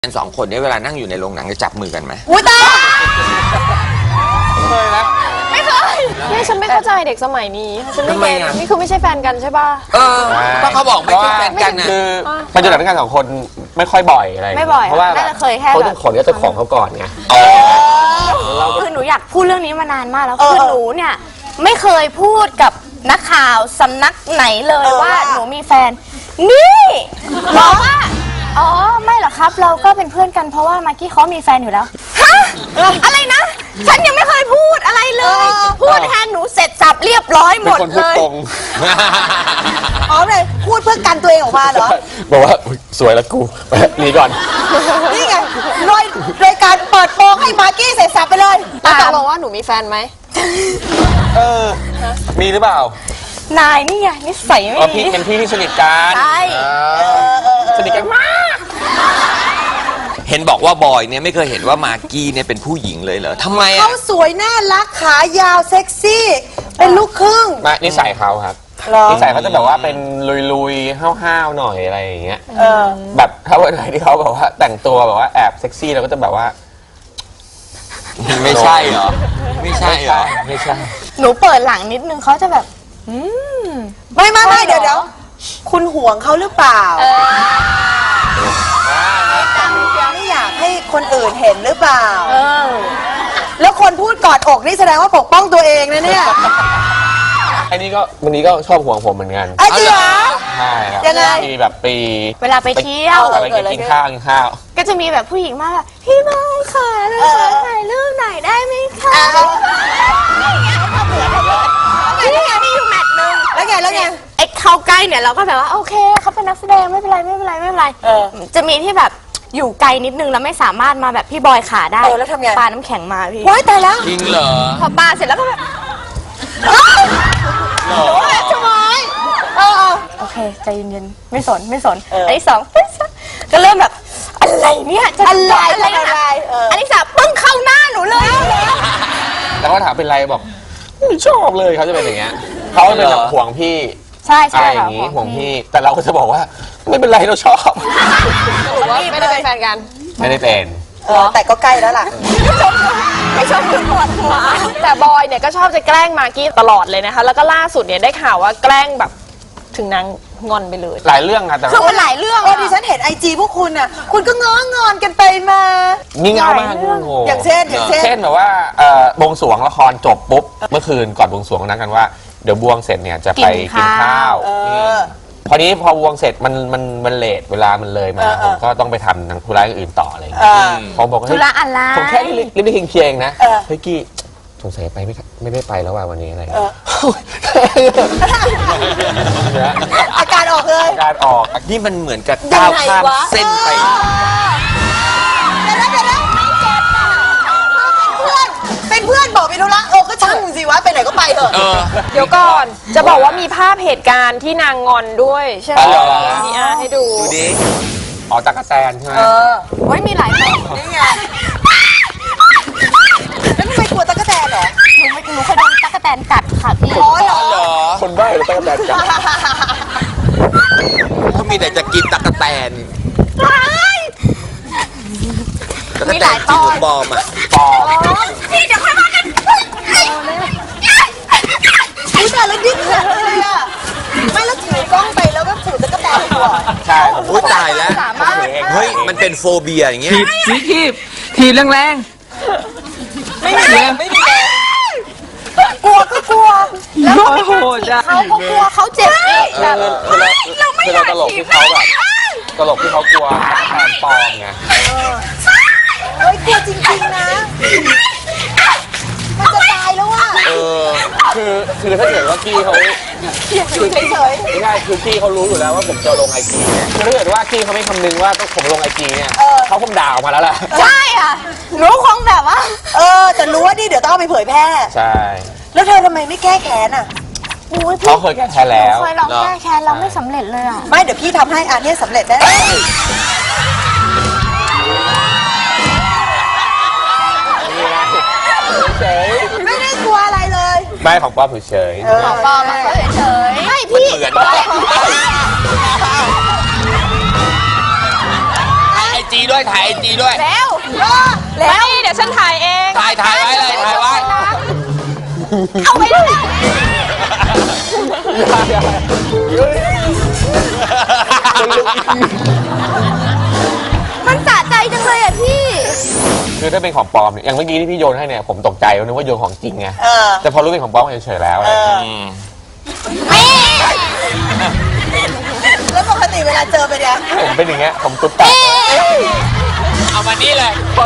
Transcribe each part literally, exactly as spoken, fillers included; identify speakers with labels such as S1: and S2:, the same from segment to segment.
S1: กันสองคนนี้เวลานั่งอยู่ในโรงหนังจะจับมือกันไหม
S2: อุ้ยตาย
S3: เคยนะ
S2: ไม่เคยนี่ฉันไม่เข้าใจเด็กสมัยนี้ฉันไม่เก็ตนี่คือไม่ใช่แฟนกันใช่ป่ะ
S1: เออก็เขาบอกไม่ใช่แฟนกันนะ
S3: คือไปดูหนังด้วยกันสองคนไม่ค่อยบ่อยอะไร
S2: ไม่บ่อย
S3: เพราะว่า
S2: น่าจะเคยแค่
S3: เขาต้องขอเจ้าของเขาก่อนไง
S4: คือหนูอยากพูดเรื่องนี้มานานมากแล้วคือหนูเนี่ยไม่เคยพูดกับนักข่าวสำนักไหนเลยว่าหนูมีแฟนนี่บอกว่าอ๋อไม่หรอกครับเราก็เป็นเพื่อนกันเพราะว่ามากกี้เขามีแฟนอยู่แล้วฮะอะไรนะฉันยังไม่เคยพูดอะไรเลยพูดแทนหนูเสร็จสับเรียบร้อยหมดเลย
S2: อ๋อเลยพูดเพื่อกันตัวเองออกมาเหรอ
S3: บอกว่าสวยแล้วกูหนีก่อน
S2: นี่ไงโดยโดยการเปิดโปงให้มากกี้เสร็จสับไปเลยตกลงว่าหนูมีแฟนไหม
S3: เออมีหรือเปล่าน
S4: ายนี่ไงนิสัยไม่ดี
S3: พี่เป็นพี่ที่สนิทกัน
S4: ใช่
S3: สนิทกันมาก
S1: เห็นบอกว่าบอยเนี่ยไม่เคยเห็นว่ามากกี้เนี่ยเป็นผู้หญิงเลยเหรอทำไมอ่ะ
S2: เขาสวยน่ารักขายาวเซ็กซี่เป็นลูกครึ่ง
S3: มานิสัยเขาครับนิสัยเขาจะแบบว่าเป็นลุยๆห้าวๆหน่อยอะไรอย่างเงี้ยแบบถ้าวันไหนที่เขาแบบว่าแต่งตัวแบบว่าแอบเซ็กซี่เราก็จะแบบว่า
S1: ไม่ใช่เหรอไม่ใช่เหรอ
S3: ไม่ใช่
S4: หนูเปิดหลังนิดนึงเขาจะแบบอืม
S2: ไม่ไม่ไม่เดี๋ยวเดี๋ยวคุณห่วงเขาหรือเปล่าไม่อยากให้คนอื่นเห็นหรือเปล่าแล้วคนพูดกอดอกนี่แสดงว่าปกป้องตัวเองนะเนี่ย
S3: ไอ้นี่ก็วันนี้ก็ชอบห่วงผมเหมือนกัน
S2: ไอ้จริงเหรอ
S3: ใช่ครับ
S2: ยังไง
S3: มีแบบปี
S4: เวลาไปเที่ยว
S3: อะไรกินข้าวกินข้าว
S4: ก็จะมีแบบผู้หญิงมาแบบพี่บอยค่ะเราขอถ่ายรูปหน่อยได้ไหมคะนี่ไงที่อยู่แมทนึง
S2: แล้วไงแล้วไง
S4: ไอ้เข้าใกล้เนี่ยเราก็แบบว่าโอเคเขาเป็นนักแสดงไม่เป็นไรไม่เป็นไรไม่เป็นไรจะมีที่แบบอยู่ไกลนิดนึงแล้วไม่สามารถมาแบบพี่บอยขาได้
S2: แล้วทำไง
S4: ปาน้ำแข็งมาพี่
S2: ว้ายตายแล้ว
S1: จริงเหรอ
S4: พอปาเสร็จแล้วก็แบบ
S2: โอ้ยทำไม
S4: โอเคใจเย็นๆไม่สนไม่สนอันที่สองก็เริ่มแบบอะไรเนี่ย
S2: อะไรอะไร
S4: อันที่สามปึ้งเข้าหน้าหนูเลย
S3: แล้วก็ถามเป็นไรบอกไม่ชอบเลยเขาจะเป็นอย่างเงี้ยเขาจะแบบห่วงพี่
S4: ใช่ใช่
S3: อะไรอย่างงี้ห่วงพี่แต่เราก็จะบอกว่าไม่เป็นไรเราชอบ
S2: ไม่ได้เป็นแฟนกัน
S3: ไม่ได้เป็น
S2: แต่ก็ใกล้แล้วล่ะ
S4: ไม่ชอบคุณปวดหัว
S2: แต่บอยเนี่ยก็ชอบจะแกล้งมากกี้ตลอดเลยนะคะแล้วก็ล่าสุดเนี่ยได้ข่าวว่าแกล้งแบบถึงนางงอนไปเลย
S3: หลายเรื่องอะแต่
S4: คือมันหลายเรื่อง
S2: เออดิฉันเห็นไอจีพวกคุณน่ะคุณก็ง้องอนกันไปมา
S3: มีเงามาก
S2: อย่างเช่นอย่างเช่น
S3: เช่นแบบว่าบวงสรวงละครจบปุ๊บเมื่อคืนก่อนบวงสรวงนัดกันว่าเดี๋ยวบวงเสร็จเนี่ยจะไปกินข้าวพอนี้พอบวงเสร็จมันมันมันเลทเวลามันเลยมาผมก็ต้องไปทำทางธุระอื่นต่ออะไรอย่างเงี้ยผมบอกว่า
S4: ธุระอะไร
S3: ผมแค่รีบรีบเพียงเพียงนะเฮ้ยกี้สงสัยไปไม่ไม่ได้ไปแล้วว่าวันนี้อะไร
S2: อาการออกเลย
S3: อาการออก
S1: นี่มันเหมือนกับก้าวข้ามเส้นไป
S2: เป็นเพื่อนบอกไปธุระเออก็ช่างสิวะไปไหนก็ไปเถอะเดี๋ยวก่อนจะบอกว่ามีภาพเหตุการณ์ที่นางงอนด้วยใช่ไหมมีอาให้ดู
S1: ดูดิ
S3: อ๋อตั๊กแตนใช่ไหม
S2: เออ
S4: ไว้มีหลายคน
S2: นี่ไงแล้วทำไมกลัวตั๊กแตนเหรอ
S4: หนูไม่หนูเคยโดนตั๊กแตนกัดค่ะพี่
S2: อ๋อเหรอ
S3: คนบ้าเลยตั๊กแตนกัด
S1: เขามีแต่จะกินตั๊กแตน
S4: มีหลายตอน
S1: ปอมอ่ะ
S3: ปอม
S4: พี่เดี๋ยวค่อยมากัน
S2: อุ้ยแต่แล้วดิ้นเลยอ่ะไม่แล้วถือกล้องไปแล้วก็ถือตะกั่วแตนหัว
S3: ใช่
S1: อุ้ยตายแล้วเฮ้ยมันเป็นโฟเบียอย่างเงี้ย
S5: ถีบสีทีบถีบแรง
S2: ๆไม่มีไม่มีกลัวก็กลัว
S5: แล้วโหดอ่ะ
S4: เขาก็กลัวเขาเจ็บอีกแบบ
S3: เราไม่เราตลกที่เขาแบบตลกที่เขากลัวแทนปอมไง
S2: เฮ้ยกลัวจริงๆนะมันจะตายแล้วอ่ะ
S3: เออคือคือถ้าเกิดว่ากี้เขา
S2: คือเฉย
S3: ๆไม่ใช่คือกี้เขารู้อยู่แล้วว่าผมจะลงไอจีเนี่ยคือถ้าเกิดว่ากี้เขาไม่คำนึงว่าต้องผมลงไอจีเนี่ยเขาคงด่าออกมาแล้วแหละ
S4: ใช่อ่ะรู้คงแบบว่า
S2: เออแต่รู้ว่านี่เดี๋ยวต้องเอาไปเผยแพร่
S3: ใช่
S2: แล้วเธอทำไมไม่แก้แค้นอ่ะ
S3: เขาเคยแก้แค้นแล้ว
S4: เคยลองแก้แค้นเราไม่สำเร็จเลยอ่ะ
S2: ไม่เดี๋ยวพี่ทำให้อันนี้สำเร็จแน่ไม่ได้กลัวอะไรเลย
S3: ไม่ของป้อมเฉย
S4: ของป้อมก็เฉย
S1: ไม่พี่เหมือนไอจีด้วยถ่ายไอจีด้วย
S2: แล้วแล้วเดี๋ยวฉันถ่ายเอง
S1: ถ่ายถ่ายไว้เลยถ่ายไว้
S2: เอาไปแล้ว
S4: มันสะใจจังเลยอ่ะพี่
S3: คือถ้าเป็นของปลอมเนี่ยอย่างเมื่อกี้ที่พี่โยนให้เนี่ยผมตกใจนึกว่าโยนของจริงไง
S6: เออ
S3: แต่พอรู้เป็นของปลอมเฉยๆแล้วอะไรอย่างเงี้ย
S1: อืม
S6: แล้วปกติเวลาเจอไปเนี่ย
S3: ผมเป็นอย่างเงี้ยผมตุ๊บตับ
S1: เอามานี่เลยเพราะ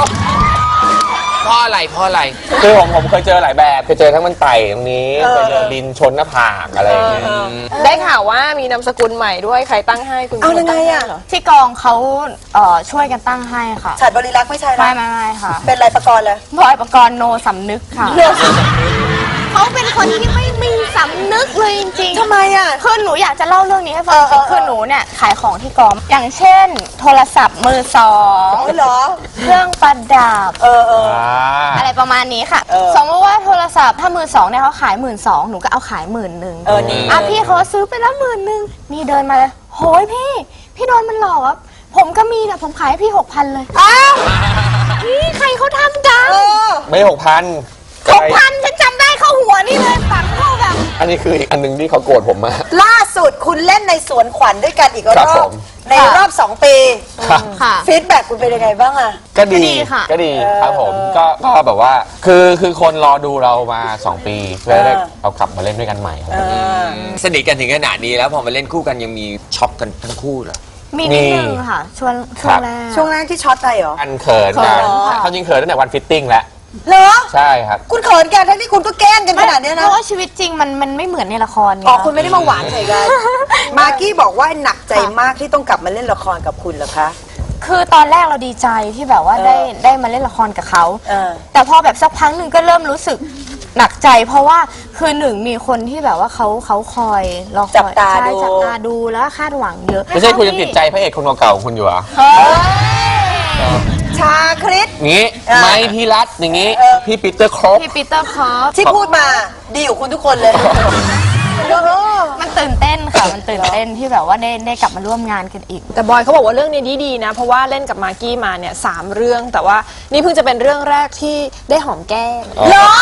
S1: อะไรเพราะอะไร
S3: คือผมผมเคยเจอหลายแบบเคยเจอทั้งมันไต่ตรงนี้เคยเจอดินชนหน้าผากอะไรอย่างเงี้ย
S2: ได้ข่าวว่ามีนามสกุลใหม่ด้วยใครตั้งให้คุณ
S6: เอายังไงอะ
S2: เหรอ
S4: ที่กองเขาเอ่อช่วยกันตั้งให้ค่ะ
S6: ฉัดบริรักษ์ไม่ใช่
S4: ไม่
S6: นะ
S4: ไม่ไม่ค่ะ
S6: เป็นไรประกรณ์เลย
S4: บอยประกรณ์โนสำนึกค่ะเขาเป็นคนที่ไม่มีสำนึกเลยจริงๆ
S6: ทำไมอ่ะ
S4: คือหนูอยากจะเล่าเรื่องนี้ให้ฟัง
S6: เออเออ
S4: คือหนูเนี่ยขายของที่กอง อย่างเช่น โทรศัพท์มือสอง
S6: อ๋อเหรอ
S4: เครื่องประดับ
S6: เออเออ
S3: อ่า
S4: อะไรประมาณนี้ค่ะ
S6: เออ
S4: สมมติว่าโทรศัพท์ถ้ามือสองเนี่ยเขาขายหมื่นสองหนูก็เอาขายหมื่นหนึ่ง
S6: เออดี
S4: อ่ะพี่เขาซื้อไปแล้วหมื่นหนึ่งนี่เดินมาเลยโหยพี่ พี่โดนมันหลอกอะผมก็มีแต่ผมขายให้พี่หกพันเลย
S6: อ้าว
S4: นี่ใครเขาทำกัน
S6: เออ
S3: ไม่หกพัน
S4: หกพันฉันจำได้เข้าหัวนี่เลยฝังเข้าแบบ
S3: อันนี้คืออีกอันหนึงที่เขาโกรธผมมาก
S6: ล่าสุดคุณเล่นในสวนขวัญด้วยกันอีกร
S3: ครับ
S6: อ
S3: ผ
S6: บ
S3: ม
S6: ในรอบสองปี
S3: ครับ
S4: ค่ะ
S6: ฟีดแบ็กคุณเป็นยังไงบ้างอะ
S3: ก็ดี
S4: ก็ดีค่ะ
S3: ก็ดีครับผมก็ก็แบบว่าคือคือคนรอดูเรามาสองปีเพื่อได้
S6: เออ
S3: เรากลับมาเล่นด้วยกันใหม่ครับ
S6: เออ
S1: สนิทกันถึงขนาดนี้แล้วพอมาเล่นคู่กันยังมีช็อกกันทั้งคู่เหรอ
S4: มีนิดนึงค่ะช่วงช่วงแรก
S6: ช่วงแรกที่ช็อตไปเหรอ
S3: อันเขิน
S6: เขิ
S3: กัน
S6: นเหรอ
S3: เขาจริงเขินตั้งแต่วันฟิตติ้งแล้ว
S6: เหรอ
S3: ใช่ครับ
S6: คุณเขินกันทั้งที่คุณก็แกล้งกันขนาดเนี้ย
S4: เพ
S6: นะ
S4: ราะว่าชีวิตจริงมันมันไม่เหมือนในละครไง
S6: อ๋อคุณไม่ได้มาหวานใส่กัน มากกี้บอกว่าหนักใจมากที่ต้องกลับมาเล่นละครกับคุณเหรอคะ
S4: คือตอนแรกเราดีใจที่แบบว่า
S6: เออ
S4: ได้ได้มาเล่นละครกับเขา
S6: เออ
S4: แต่พอแบบสักพักหนึ่งก็เริ่มรู้สึกหนักใจ เพราะว่าคือหนึ่งมีคนที่แบบว่าเขาเขาคอยรอคอย
S6: จับตา
S4: ใช่
S6: ดู
S4: จับตาดูแล้วก็คาดหวังเยอะ
S3: ไม่ใช่คุณยังติดใจพระเอกคนเก่าๆของคุณอยู่เหรอ
S4: เฮ้ย
S6: ชาคริส
S3: งี้
S6: เออ
S3: ไม้พี่รัตอย่างงี้
S6: เออ
S3: พี่ปีเตอร์ครบ
S4: พี่ปีเตอร์คอฟ
S6: ที่พูดมาดีอยู่คุณทุกคนเลย
S4: มันตื่นเต้นค่ะ มันตื่นเต้นที่แบบว่าได้ได้กลับมาร่วมงานกันอีก
S2: แต่บอยเขาบอกว่าเรื่องนี้ดีๆนะ เพราะว่าเล่นกับมากกี้มาเนี่ยสามเรื่อง แต่ว่านี่เพิ่งจะเป็นเรื่องแรกที่ได้หอมแก้ม
S6: เหรอ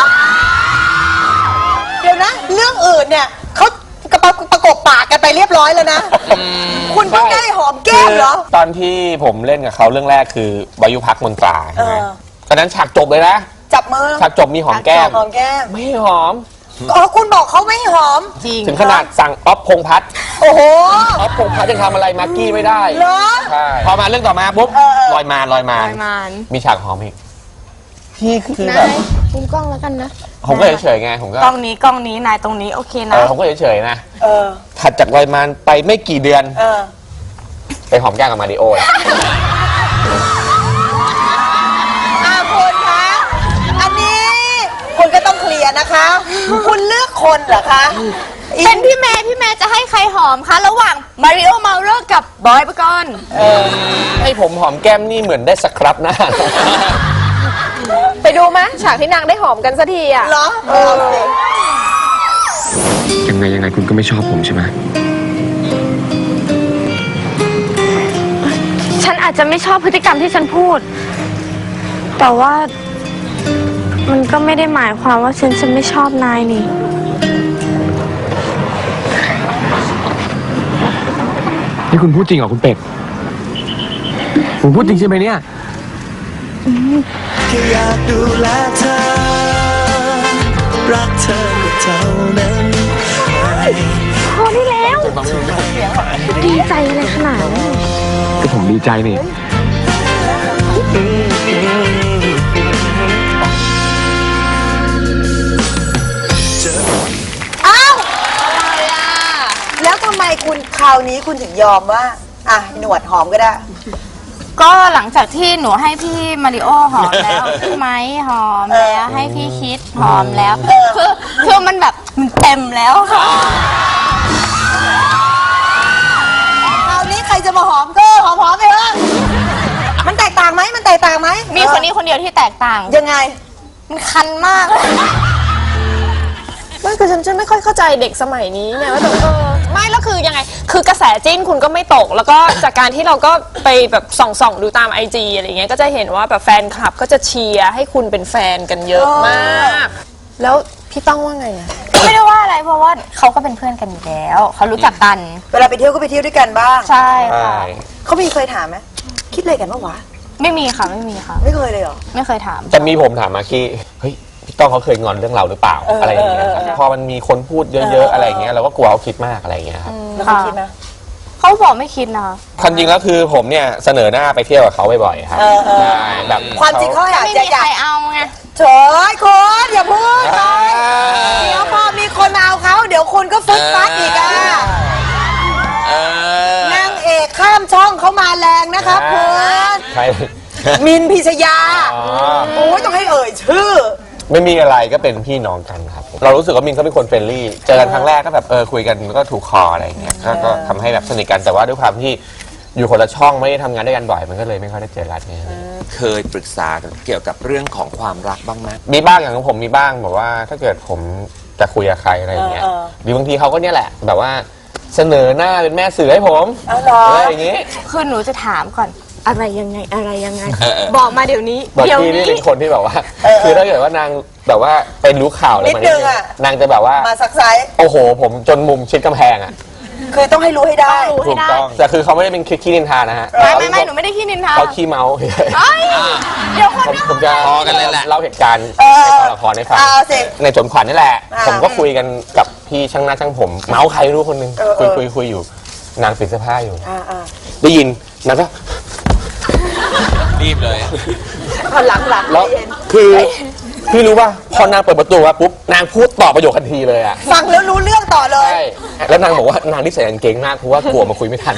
S6: เดี๋ยวนะ เรื่องอื่นเนี่ยเขากระปะประกบปากกันไปเรียบร้อยแล้วนะ คุณเพิ่งได้หอมแก้มเหรอ
S3: ตอนที่ผมเล่นกับเขาเรื่องแรกคือวายุพักมนตราใช่ไหม
S6: เออ
S3: ตอนนั้นฉากจบเลยนะ
S6: จับมือ
S3: ฉากจบมีหอมแก้ม
S6: หอมแก้ม
S3: ไม่หอม
S6: อ๋อคุณบอกเขาไม่หอม
S4: จริง
S3: ถึงขนาดสั่งอ๊อฟพงษ์พัฒน์
S6: โอ้โห
S3: อ๊อฟพงษ์พัฒน์ยังทำอะไรมากกี้ไม่ได้
S6: เหรอ
S3: ใช่พอมาเรื่องต่อมาปุ๊บ
S6: เออเออ
S3: ลอยมานลอยมาน
S4: ลอยมาน
S3: มีฉากหอมอีกพี่คือแบ
S4: นา
S3: บ
S4: ยมุมกล้องแล้วกันนะ
S3: ผมก็เฉยๆไงผมก็
S4: กล้องนี้กล้องนี้นายตรงนี้โอเค
S3: เอ
S4: นะ
S3: อผมก็เฉยๆนะ
S6: เออ
S3: ถัดจากลอยมานไปไม่กี่เดือน
S6: เออ
S3: ไปหอมแก้มกับมาริโอแล้ว
S6: อาคุณคะ อันนี้คุณก็ต้องเคลียร์นะคะ คุณเลือกคนเหรอคะ
S4: เป็นพี่แม่พี่แม่จะให้ใครหอมคะ ระหว่างมาริโอเมาเลอร์กับบอยปกรณ์
S3: ให้ผมหอมแก้มนี่เหมือนได้สครับหน้า
S2: ไปดูไหมฉากที่นางได้หอมกันสักทีอ่ะ
S6: เหรอเออเอาสิ
S7: ยังไงยังไงคุณก็ไม่ชอบผมใช่ไหม
S4: ฉันอาจจะไม่ชอบพฤติกรรมที่ฉันพูด แต่ว่ามันก็ไม่ได้หมายความว่าฉันจะไม่ชอบนายนี่
S7: นี่คุณพูดจริงเหรอคุณเป็ดผมพูดจริงใช่ไหมเนี่ย
S8: แค่อยากดูแลเธอ รักเธอก็เท่านั้น
S4: พอได้แล้ว ดีใจอะไรขนาดนั้น
S7: ก็ผมดีใจนี่
S6: อ้าวแล้วทำไมคุณคราวนี้คุณถึงยอมว่า อ่ะ หนวดหอมก็ได้
S4: ก็หลังจากที่หนูให้พี่มาริโอหอมแล้วพี่ไม้หอมแล้วให้พี่คิดหอมแล้วคือคือมันแบบมันเต็มแล้วค่ะ
S6: คราวนี้ใครจะมาหอมก็หอมหอมๆไปเถอะมันแตกต่างไหมมันแตกต่างไหม
S4: มีคนนี้คนเดียวที่แตกต่าง
S6: ยังไง
S4: มันคันมากเลย
S2: มันคือฉันจะไม่ค่อยเข้าใจเด็กสมัยนี้เนี่ยว่าแบบเออไม่แล้วคือยังไงคือกระแสจิ้นคุณก็ไม่ตก แล้วก็จากการที่เราก็ไปแบบส่องๆดูตามไอจีอะไรเงี้ยก็จะเห็นว่าแบบแฟนคลับก็จะเชียร์ให้คุณเป็นแฟนกันเยอะมากแล้วพี่ต้องว่าไงอะ
S4: ไม่ได้ว่าอะไรเพราะว่าเขาก็เป็นเพื่อนกันอยู่แล้วเขารู้จักกัน
S6: เวลาไปเที่ยวก็ไปเที่ยวด้วยกันบ้าง
S4: ใช่
S3: ใช่
S4: ค่ะ
S6: เขามีเคยถามไหมคิดอะไรกันบ้างวะ
S4: ไม่มีค่ะไม่มีค่ะ
S6: ไม่เคยเลยเหรอ
S4: ไม่เคยถาม
S3: จะมีผมถามมาคีเฮ้ยพี่ต้องเขาเคยงอนเรื่องเราหรือเปล่าอะไรอย่างเงี้ยครับพอมันมีคนพูดเยอะๆอะไรอย่างเงี้ยเราก็กลัวเขาคิดมากอะไรอย่างเงี้ยครับ
S6: แล้วเขาคิดไหม
S4: เขาบอกไม่คิดนะคะ
S3: ความจริงแล้วคือผมเนี่ยเสนอหน้าไปเที่ยวกับเขาบ่อยๆครับ
S6: เออเออ
S3: ใช่แบบ
S6: ความจริงเขาอยาก
S4: ไม่
S6: จะ
S4: มี
S6: อยา
S4: ใคร
S6: ก
S4: เอาไง
S6: เฉยคุณอย่าพูดเลยเดี๋ยวพอมีคนมาเอาเขาเดี๋ยวคุณก็ฟึดฟัดอีกอ่ะ
S1: เออน
S6: างเอกข้ามช่องเขามาแรงนะครับคุณ
S3: ใคร
S6: มินพิชยา
S3: อ๋อ
S6: โอ้ยต้องให้เอ่ยชื่อ
S3: ไม่มีอะไรก็เป็นพี่น้องกันครับเรารู้สึกว่ามินเขาเป็นคนเฟรนลี่เจอกันครั้งแรกก็แบบเออคุยกันก็ถูกคออะไรอย่างเงี้ยก็ก็ทำให้แบบสนิทกันแต่ว่าด้วยความที่อยู่คนละช่องไม่ได้ทำงานด้วยกันบ่อยมันก็เลยไม่ค่อยได้เจอกันเนี่ย
S1: เคยปรึกษาเกี่ยวกับเรื่องของความรักบ้างไหม
S3: มีบ้างอย่างของผมมีบ้างแบบว่าถ้าเกิดผมจะคุยกับใครอะไรอย่างเงี้ย
S6: เออเออ
S3: หรือบางทีเขาก็เนี่ยแหละแบบว่าเสนอหน้าเป็นแม่สื่อให้ผม
S6: เอาเหรอ
S3: อะไรอย่างงี้
S4: คือหนูจะถามก่อนอะไรยังไงอะไรยังไง บอกมาเดี๋ยวนี้
S3: บาง
S4: เดี๋ยว
S3: ทีนี่
S4: นี้
S3: เป็นคนที่แบบว่า
S6: เออ
S3: คือถ้าเกิดว่านางแบบว่าเป็นรู้ข่าวอะไร
S6: นิด
S3: มา
S6: นึงอะ
S3: นางจะแบบว่า
S6: มาซักไซส์
S3: โอ้โห ผมจนมุมชิดกำแพงอ่ะ
S6: คือต้องให้รู้ให้ได้
S4: รู้ให้
S3: ถูก
S4: ได้
S3: ต้องแต่คือเขาไม่ได้เป็นคิดขี้นินทานะฮะ
S4: ไม่ไม่ไม่หนูไม่ได้ขี้นินทา
S3: เขาขี้เมาเฉย
S4: เอ้ยเดี๋ยวคน
S3: ผม
S4: นะ
S3: ผมจะ
S1: พอกันเลยแหละ
S3: เล่าเหตุการณ์
S6: เออ
S3: ในกองละครให้ฟัง
S6: เอาสิ
S3: ในจนขวัญนี่แหละ
S6: อ่า
S3: ผมก็คุยกันกับพี่ช่างหน้าช่างผม เมาส์ใครรู้คนหนึง
S6: เออ
S3: คุย
S6: เออ
S3: คุยคุยอยู่ นางปิดเสื้อผ้าอยู่
S6: อ่าอ่า
S3: ได้ยินนางก็
S1: รีบเลย
S6: เอาหลังหลัง
S3: แล้ว
S6: ใจเย็น
S3: คือพี่รู้ป่ะพอนางเปิดประตูมาปุ๊บนางพูดต่อประโยคทันทีเลยอ่ะ
S6: ฟังแล้วรู้เรื่องต่อเลย
S3: ใช่แล้วนางบอกว่านางที่ใส่กางเกงมากเพราะว่ากลัวมาคุยไม่ทัน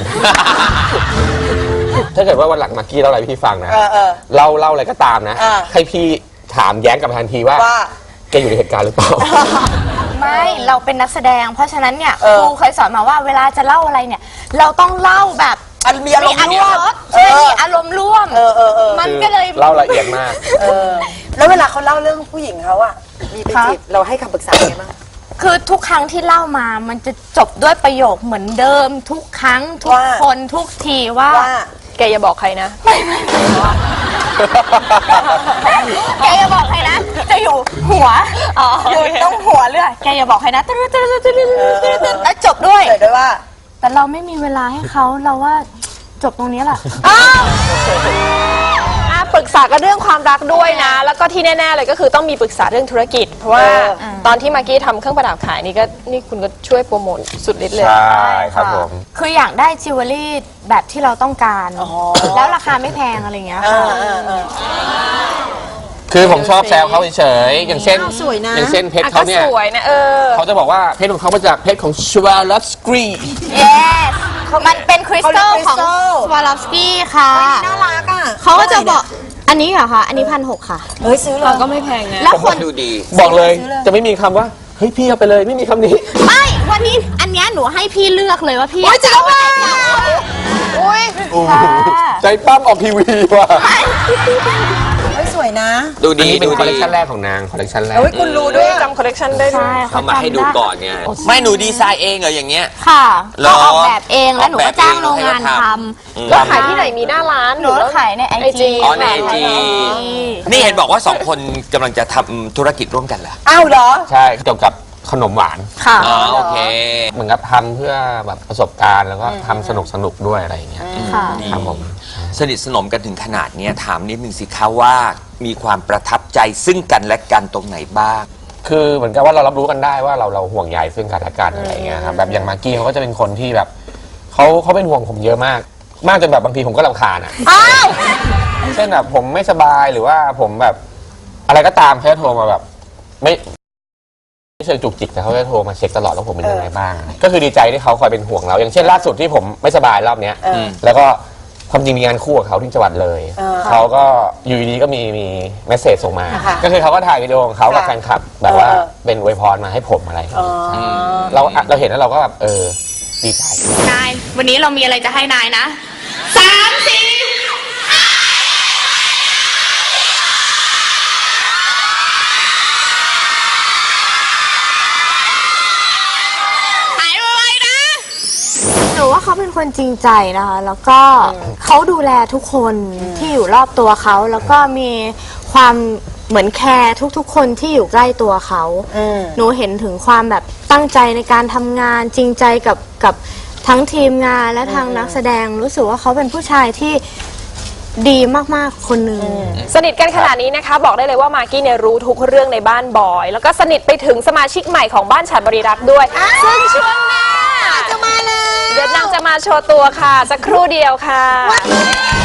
S3: ถ้าเกิดว่าวันหลังมากกี้เล่าอะไรให้พี่ฟังนะ
S6: เออเออ
S3: เล่าเล่าอะไรก็ตามนะ
S6: อ่า
S3: ให้พี่ถามแย้งกลับมาทันทีว่า
S6: ว่า
S3: แกอยู่ในเหตุการณ์หรือเปล่า
S4: ไม่เราเป็นนักแสดง เพราะฉะนั้นเนี่ย
S6: เออ
S4: ครูเคยสอนมาว่าเวลาจะเล่าอะไรเนี่ย เราต้องเล่าแบบ
S6: อันมีอารมณ์
S4: มี
S6: ร่วม
S4: รสใช่มีอารมณ์ร่วม
S6: เออเออเออ
S4: มันก็เลย
S3: เล่าละเอียดมาก
S6: เออ แล้วเวลาเขาเล่าเรื่องผู้หญิงเขาอะมีไป
S4: คะ
S6: จีบเราให้คำปรึกษาไงบ้าง
S4: คือทุกครั้งที่เล่ามามันจะจบด้วยประโยคเหมือนเดิม ทุกครั้งทุก
S6: ว่า
S4: คนทุกทีว่า
S6: ว่า
S2: แกอย่าบอกใครนะ
S4: แกอย่าบอกใครนะ จะอยู่หัวอยู่ตรงหัวเรื่อยแกอย่าบอกใครนะตึ๊ดตึ๊ดตึ๊ดตึ๊ดตึ๊ดตึ๊ดตึ๊ดแล้วจบด้วย
S6: เกิดด้วยว่า
S4: แต่เราไม่มีเวลาให้เขาเราว่าจบตรงนี้แหละ
S2: อ่ะปรึกษากันเรื่องความรักด้วยนะ แล้วก็ที่แน่ๆเลยก็คือต้องมีปรึกษาเรื่องธุรกิจ เพราะว่า
S6: เออ
S2: ตอนที่มากกี้ทำเครื่องประดับขายนี่ก็นี่คุณก็ช่วยโปรโมทสุดฤทธิ์เลย
S3: ใช่ครับผม
S4: คืออยากได้จิวเวลรี่แบบที่เราต้องการ แล้วราคาไม่แพงอะไรอย่างเงี้ย
S6: เอ
S4: ค่ะ
S6: อเออเออ
S3: คือผมชอบแซวเขาเฉยๆอย่างเช่น
S6: สวยนะ
S3: อย่างเช่นเพชร
S2: อ่ะ
S3: เขา
S2: ก็
S3: เนี่ย
S2: สวยนะเออ
S3: เขาจะบอกว่าเพชรของเขามาจากเพชรของชวาลอฟสกรี
S4: yes มันเป็นคริสตัลของ
S6: เขาเรียกคริสตัล
S4: สวาลอฟสกี้ค่ะ
S6: น่ารักอ่ะ
S4: เขาก็จะบอกอันนี้เหรอคะอันนี้พันหกค่ะ
S6: เฮ้ยซื้อเลย
S2: ก็ไม่แพงนะ
S4: แล้วคน
S1: ดูดี
S3: บอกเลยจะไม่มีคำว่าเฮ้ยพี่เอาไปเลยไม่มีคำนี้
S4: ไม่วันนี้อันเนี้ยหนูให้พี่เลือกเลยว่าพี่
S6: โอ้ยจริงเหรอ
S4: เอาไหน
S6: อุ้ย
S3: ใจปั้มออกทีวีว่ะ
S6: เฮ้ยสวยนะ
S1: ดู
S3: อัน
S1: ดี
S3: นี้เป็น
S1: ดู
S3: คอลเล
S1: ดี
S3: คชันแรกของนางคอลเลคชันแรก
S6: เฮ้ยคุณรู้ด้วย
S2: จำคอลเลกชันได้ด้วย
S4: ใช่
S1: เขามาให้ดูก่อนไงไม่หนูดีไซน์เองเหรออย่างเงี้ย
S4: ค่ะ
S1: เหรอ
S4: เราออกแบบเองแล้วหนู
S1: ออกแบ
S4: ก็
S1: บ
S4: จ้าง
S1: เอง
S4: โรงงาน
S1: แล้วให้
S4: ท
S1: เขาท
S4: ำ
S2: แล้วขายที่ไหนมีหน้าร้าน
S4: หนูก็ขายในไอ
S2: ไอ
S4: จี
S2: จี
S1: อ๋อใน ไอ จี นี่เห็นบอกว่าสองคนกำลังจะทำธุรกิจร่วมกันเหรอ
S6: อ้าวเหรอ
S3: ใช่เกี่ยวกับขนมหวาน
S4: ค่ะ
S1: อ๋อโอเค
S3: เหมือนกับทำเพื่อแบบประสบการณ์แล้วก็ทำสนุกสนุกๆด้วยอะไรอย่างเงี้ย
S4: ค่ะ
S3: ครับผม
S1: สนิทสนมกันถึงขนาดเนี้ยถามนิดนึงสิคะว่ามีความประทับใจซึ่งกันและกันตรงไหนบ้าง
S3: คือเหมือนกับว่าเรารับรู้กันได้ว่าเราเราห่วงใยซึ่งกันและกันอะไรอย่างเงี้ยครับแบบอย่างมากกี้เขาก็จะเป็นคนที่แบบเขาเขาเป็นห่วงผมเยอะมาก มากจนแบบบางทีผมก็รำคาญอ่ะ
S6: อ้าว
S3: เช่นแบบผมไม่สบายหรือว่าผมแบบอะไรก็ตามเขาจะโทรมาแบบไม่ไม่เชิงจุกจิกแต่เขาจะโทรมาเช็คตลอดว่าผมเป็นยังไงบ้าง ก็คือดีใจที่เขาคอยเป็นห่วงเรา อย่างเช่นล่าสุดที่ผมไม่สบายรอบเนี้ย
S6: เออ
S3: แล้วก็ความจริงมีงานคู่กับเขาที่จังหวัดเลย
S6: เออ
S3: เขาก็อยู่ดีๆก็มีมีเมสเซจส่งมา
S6: ค่ะ
S3: ก็คือเขาก็ถ่ายวิดีโอของเขากับ
S6: ค่ะ
S3: แฟนคลับ แบบว่า
S6: เออ
S3: เป็นอวยพรมาให้ผมอะไรอย่าง
S6: อ๋อ
S3: เงี้ยเราเราเห็นแล้วเราก็แบบเออดีใจ
S4: นาย วันนี้เรามีอะไรจะให้นายนะสามสี่เขาเป็นคนจริงใจนะคะ แล้วก็เขาดูแลทุกคนที่อยู่รอบตัวเขา แล้วก็มีความเหมือนแคร์ทุกๆ คนที่อยู่ใกล้ตัวเขา หนูเห็นถึงความแบบตั้งใจในการทำงานจริงใจกับกับทั้งทีมงานและทางนักแสดงรู้สึกว่าเขาเป็นผู้ชายที่ดีมากๆคนหนึ่ง
S2: สนิทกันขนาดนี้นะคะ บอกได้เลยว่ามากกี้เนี่ยรู้ทุกเรื่องในบ้านบอย แล้วก็สนิทไปถึงสมาชิกใหม่ของบ้านฉันบริรักษ์ด้วย ซึ่งช่วงหน้า
S6: จะมาเลย
S2: เดี๋ยวนางจะมาโชว์ตัวค่ะ สักครู่เดียวค่ะ